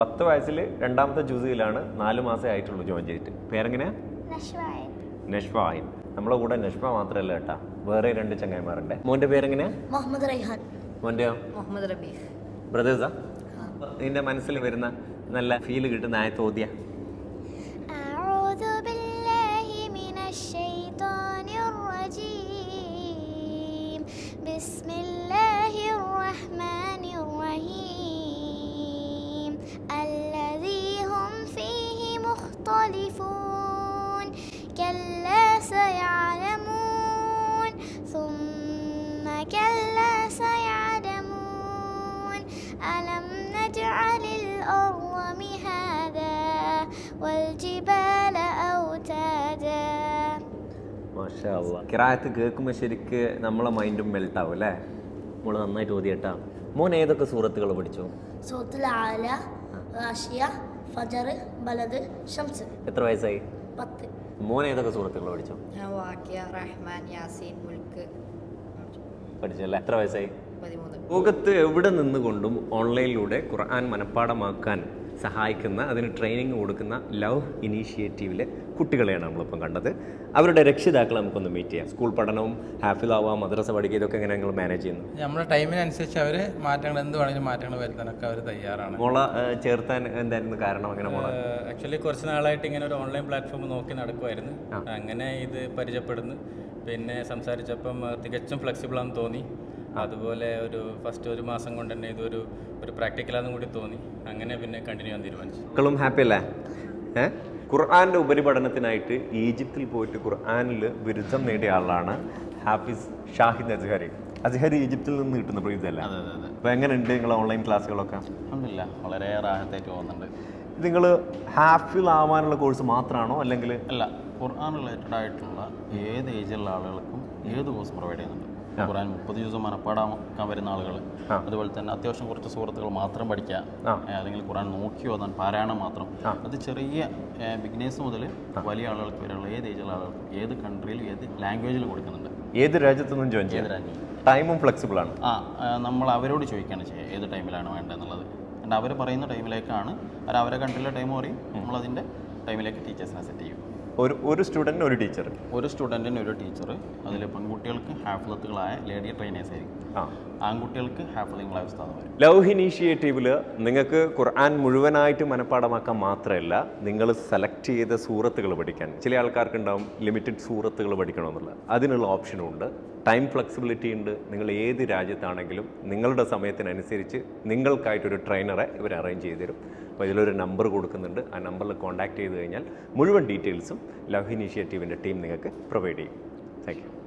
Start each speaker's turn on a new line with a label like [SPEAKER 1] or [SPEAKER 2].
[SPEAKER 1] 10 വയസ്സിൽ രണ്ടാമത്തെ ജുസിയിലാണ് 4 മാസമേ ആയിട്ടുള്ളൂ ജോയിൻ ചെയ്തിട്ട്. പേരെങ്ങനെയാ? നഷ്ഫായിൻ. നമ്മളെ കൂടെ നഷ്ഫ മാത്രമല്ല കേട്ടാ, വേറെ 2 ചങ്ങായിമാരുണ്ട്. മോന്റെ പേരെങ്ങനെയാ?
[SPEAKER 2] മുഹമ്മദ് റൈഹാൻ.
[SPEAKER 1] മോന്റെയോ?
[SPEAKER 2] മുഹമ്മദ് റബീഹ്.
[SPEAKER 1] ബ്രദേഴ്സാ? നിന്റെ മനസ്സിൽ വരുന്ന നല്ല ഫീൽ കിട്ടുന്ന ആയത്ത് ഓതിയ?
[SPEAKER 3] كلا سيعلمون ثم كلا سيعلمون ألم نجعل الأرض مهادا والجبال أوتادا.
[SPEAKER 1] മാഷാ അല്ലാഹ്. ഖിറാഅത്ത് കേൾക്കുമ്പോൾ ശരിക്ക് നമ്മളെ മൈൻഡും മെൽട്ട് ആവും അല്ലേ? നമ്മൾ നന്നായിട്ട് ഓതിയട്ടാ. മോൻ ഏതൊക്കെ സൂറത്തുകൾ പഠിച്ചു?
[SPEAKER 2] സൂറത്തുൽ ആല, ഗാശിയ, ഫജർ, ബലദ്, ശംസ്.
[SPEAKER 1] എത്ര വയസ്സായി?
[SPEAKER 2] 10.
[SPEAKER 1] മോൻ ഏതൊക്കെ സൂറത്തുകൾ പഠിച്ചു?
[SPEAKER 2] ഞാൻ വാഖിയ, റഹ്മാൻ, യാസീൻ, മുൽക്ക്
[SPEAKER 1] പഠിച്ചല്ലേ? എത്ര വയസ്സായി?
[SPEAKER 2] 13.
[SPEAKER 1] ലോകത്ത് എവിടെ നിന്നുകൊണ്ടും ഓൺലൈനിലൂടെ ഖുർആൻ മനഃപ്പാഠമാക്കാൻ സഹായിക്കുന്ന, അതിന് ട്രെയിനിങ് കൊടുക്കുന്ന ലവ് ഇനീഷ്യേറ്റീവിലെ കുട്ടികളെയാണ് നമ്മളിപ്പം കണ്ടത്. അവരുടെ രക്ഷിതാക്കളെ നമുക്കൊന്ന് മീറ്റ് ചെയ്യാം. സ്കൂൾ പഠനവും ഹാഫിളാവുക, മദ്രസ പഠിക്കുക, ഇതൊക്കെ എങ്ങനെ നിങ്ങൾ മാനേജ് ചെയ്യുന്നു?
[SPEAKER 4] നമ്മുടെ ടൈമിനനുസരിച്ച് അവർ മാറ്റങ്ങൾ എന്ത് വേണമെങ്കിലും മാറ്റങ്ങൾ വരുത്താനൊക്കെ അവർ തയ്യാറാണ്.
[SPEAKER 1] മോളെ ചേർത്താൻ എന്തായിരുന്നു കാരണം? അങ്ങനെ മോളെ
[SPEAKER 5] ആക്ച്വലി കുറച്ച് നാളായിട്ട് ഇങ്ങനെ ഒരു ഓൺലൈൻ പ്ലാറ്റ്ഫോം നോക്കി നടക്കുമായിരുന്നു. അങ്ങനെ ഇത് പരിചയപ്പെടുന്നു. പിന്നെ സംസാരിച്ചപ്പം തികച്ചും ഫ്ലെക്സിബിളാണെന്ന് തോന്നി. അതുപോലെ ഫസ്റ്റ് ഒരു മാസം കൊണ്ട് തന്നെ ഇതൊരു പ്രാക്ടിക്കലാണെന്നും കൂടി തോന്നി. അങ്ങനെ പിന്നെ കണ്ടിന്യൂ ചെയ്യാൻ തീരുമാനിച്ചു.
[SPEAKER 1] മക്കളും ഹാപ്പി അല്ലേ? ഖുർആൻ്റെ ഉപരിപഠനത്തിനായിട്ട് ഈജിപ്തിൽ പോയിട്ട് ഖുർആനിൽ ബിരുദം നേടിയ ആളാണ് ഹാഫിസ് ഷാഹിദ് അസ്ഹരി. അസ്ഹരി ഈജിപ്തിൽ നിന്ന് കിട്ടുന്ന പ്രീതല്ല. അപ്പോൾ എങ്ങനെയുണ്ട് നിങ്ങളെ ഓൺലൈൻ ക്ലാസ്സുകളൊക്കെ?
[SPEAKER 6] അൽഹംദുലില്ലാ, വളരെ റാഹത്തായിട്ട് പോകുന്നുണ്ട്.
[SPEAKER 1] നിങ്ങൾ ഹാഫിൾ ആവാനുള്ള കോഴ്സ് മാത്രമാണോ അല്ലെങ്കിൽ?
[SPEAKER 6] അല്ല, ഖുർആൻ റിലേറ്റഡ് ആയിട്ടുള്ള ഏത് ഏജിലുള്ള ആളുകൾക്കും ഏത് കോഴ്സ് പ്രൊവൈഡ് ചെയ്യുന്നുണ്ട്. ഖുർആൻ 30 ദിവസം മനഃപ്പാടാക്കാൻ വരുന്ന ആളുകൾ, അതുപോലെ തന്നെ അത്യാവശ്യം കുറച്ച് സൂറത്തുകൾ മാത്രം പഠിക്കുക, അല്ലെങ്കിൽ ഖുർആൻ നോക്കി ഓതാൻ പാരായണം മാത്രം, അത് ചെറിയ ബിഗിനേഴ്സ് മുതൽ വലിയ ആളുകൾക്ക് വരെയുള്ള ഏത് ഏജിലുള്ള ആളുകൾക്കും ഏത് കൺട്രിയിലും ഏത് ലാംഗ്വേജിലും കൊടുക്കുന്നുണ്ട്.
[SPEAKER 1] ഏത് രാജ്യത്തു നിന്നും ജോയിൻ ചെയ്യാം.
[SPEAKER 6] ഏത് രാജ്യം.
[SPEAKER 1] ടൈമും ഫ്ലെക്സിബിൾ ആണ്.
[SPEAKER 6] നമ്മൾ അവരോട് ചോദിക്കുകയാണ് ചെയ്യുക ഏത് ടൈമിലാണ് വേണ്ടതെന്നുള്ളത്. എന്നിട്ട് അവർ പറയുന്ന ടൈമിലേക്കാണ് അവരെ കൺട്രിയിലെ ടൈം പറയും, നമ്മളതിൻ്റെ ടൈമിലേക്ക് ടീച്ചേഴ്സിനെ സെറ്റ് ചെയ്യും.
[SPEAKER 1] ഒരു സ്റ്റുഡൻറ്റിന് ഒരു ടീച്ചർ.
[SPEAKER 6] ഒരു സ്റ്റുഡൻറ്റിന് ഒരു ടീച്ചർ. അതിൽ പെൺകുട്ടികൾക്ക് ഹാഫിളത്തുകളായ ലേഡി ട്രെയിനേഴ്സ് ആയിരിക്കും, ആൺകുട്ടികൾക്ക് ഹാഫിളങ്ങളായ ഉസ്താദുമാർ.
[SPEAKER 1] ലവ് ഇനീഷ്യേറ്റീവിൽ നിങ്ങൾക്ക് ഖുർആൻ മുഴുവനായിട്ട് മനഃപ്പാഠമാക്കാൻ മാത്രമല്ല, നിങ്ങൾ സെലക്ട് ചെയ്ത സൂറത്തുകൾ പഠിക്കാൻ. ചില ആൾക്കാർക്ക് ഉണ്ടാവും ലിമിറ്റഡ് സൂറത്തുകൾ പഠിക്കണമെന്നുള്ളത്. അതിനുള്ള ഓപ്ഷനും ഉണ്ട്. ടൈം ഫ്ലെക്സിബിലിറ്റി ഉണ്ട്. നിങ്ങൾ ഏത് രാജ്യത്താണെങ്കിലും നിങ്ങളുടെ സമയത്തിനനുസരിച്ച് നിങ്ങൾക്കായിട്ടൊരു ട്രെയിനറെ ഇവർ അറേഞ്ച് ചെയ്ത് തരും. അപ്പോൾ ഇതിലൊരു നമ്പർ കൊടുക്കുന്നുണ്ട്. ആ നമ്പറിൽ കോൺടാക്ട് ചെയ്ത് കഴിഞ്ഞാൽ മുഴുവൻ ഡീറ്റെയിൽസും ലവ് ഇനീഷ്യേറ്റീവിൻ്റെ ടീം നിങ്ങൾക്ക് പ്രൊവൈഡ് ചെയ്യും. Thank U.